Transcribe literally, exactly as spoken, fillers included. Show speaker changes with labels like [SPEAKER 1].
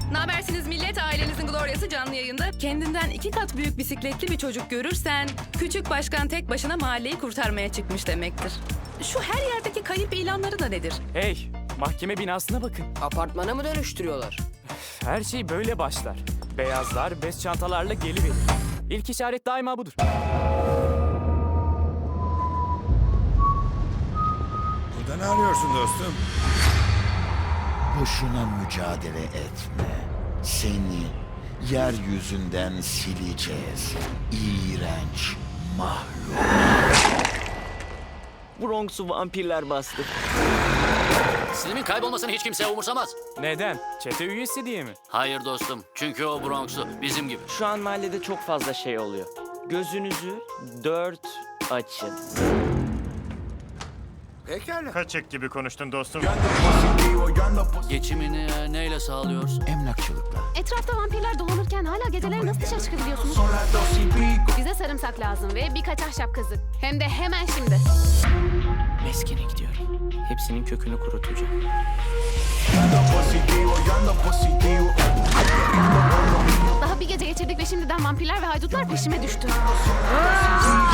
[SPEAKER 1] Nabersiniz millet, ailenizin Gloria'sı canlı yayında. Kendinden iki kat büyük bisikletli bir çocuk görürsen, küçük başkan tek başına mahalleyi kurtarmaya çıkmış demektir. Şu her yerdeki kayıp ilanları da nedir?
[SPEAKER 2] Hey, mahkeme binasına bakın.
[SPEAKER 3] Apartmana mı dönüştürüyorlar?
[SPEAKER 2] Her şey böyle başlar. Beyazlar bez çantalarla geliverir. İlk işaret daima budur.
[SPEAKER 4] Burada ne arıyorsun dostum?
[SPEAKER 5] Boşuna mücadele etme. Seni yeryüzünden sileceğiz. İğrenç mahluk.
[SPEAKER 6] Bronx'u vampirler bastı.
[SPEAKER 7] Slim'in kaybolmasını hiç kimse umursamaz.
[SPEAKER 2] Neden? Çete üyesi diye mi?
[SPEAKER 7] Hayır dostum. Çünkü o Bronx'u bizim gibi.
[SPEAKER 6] Şu an mahallede çok fazla şey oluyor. Gözünüzü dört açın.
[SPEAKER 4] Pekala.
[SPEAKER 8] Kaçık gibi konuştun dostum.
[SPEAKER 7] Geçimini e, neyle sağlıyorsun?
[SPEAKER 5] Emlakçılıkla.
[SPEAKER 9] Etrafta vampirler dolanırken hala geceleri nasıl dışarı çıkabiliyorsunuz? Bize sarımsak lazım ve birkaç ahşap kazık. Hem de hemen şimdi.
[SPEAKER 6] Meskene gidiyorum. Hepsinin kökünü kurutacağım.
[SPEAKER 9] Daha bir gece geçirdik ve şimdiden vampirler ve haydutlar peşime düştü.